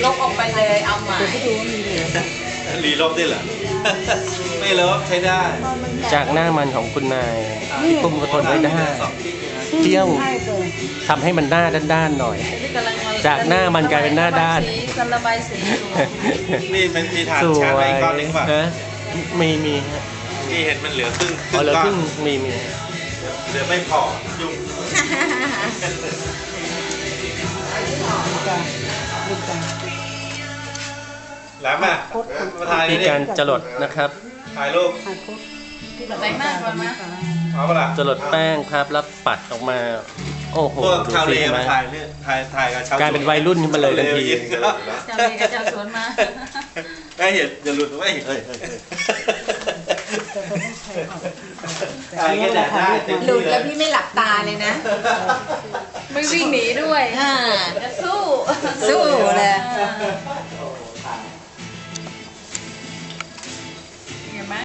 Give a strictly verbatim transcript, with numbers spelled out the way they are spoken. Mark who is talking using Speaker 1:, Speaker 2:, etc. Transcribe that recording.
Speaker 1: ลบออกไปเลยเอาใหม่
Speaker 2: รีลบได้เหรอ ไม่ลบใช้ได้
Speaker 3: จากหน้ามันของคุณนายที่คุมกระทนไว้ได้เที่ยวทำให้มันหน้าด้านๆหน่อย จากหน้ามันกลายเป็นหน้าด้าน
Speaker 1: กันระบายสีอยู่
Speaker 2: นี่มันมีฐาน
Speaker 3: สว
Speaker 2: ชาร์จไว้
Speaker 3: ย
Speaker 2: อีกก้อนหนึงป่ะ
Speaker 3: ฮะมีมีฮะ
Speaker 2: ที่เห็นมันเหลือครึ่งค
Speaker 3: อ๋อ
Speaker 2: รึ่ง
Speaker 3: เหลือ
Speaker 2: ก้อ
Speaker 3: คน รึ่งมีมี
Speaker 2: เหลือไม่พอยุ่งแหลมอ่ะมาถ่าย
Speaker 3: มี
Speaker 2: นี่
Speaker 3: การจรดนะครับ
Speaker 2: ถ่ายรูป
Speaker 1: ไหนมากกว่ามา
Speaker 2: เอาปะล่ะ
Speaker 3: จรดแป้งครับแล้วปัดออกมา โอ้โห
Speaker 2: พวก
Speaker 3: ดู
Speaker 2: ชาว
Speaker 3: สิ
Speaker 2: เล
Speaker 3: เห็นไหม
Speaker 2: มาถ่ายเนี่ยถ่ายถ่ายกับชาว
Speaker 3: กลายเป็นวัยรุ่นขึ้นมาเลยทันที
Speaker 1: เจ้าเมย์กับเจ้าสวนมา
Speaker 2: ไม่เห็นอย่าหลุดไม่เห็นถ่ายแค่แดดได้เต็ม
Speaker 4: หลุ
Speaker 2: ที่
Speaker 4: ด
Speaker 2: เล
Speaker 4: แล้ว
Speaker 2: ย
Speaker 4: พี่ไม่หลับตาเลยนะ
Speaker 1: ไม่วิ่งหนีด้วย
Speaker 4: อ่า
Speaker 1: จะสู้
Speaker 4: สู้เลย
Speaker 1: อ่า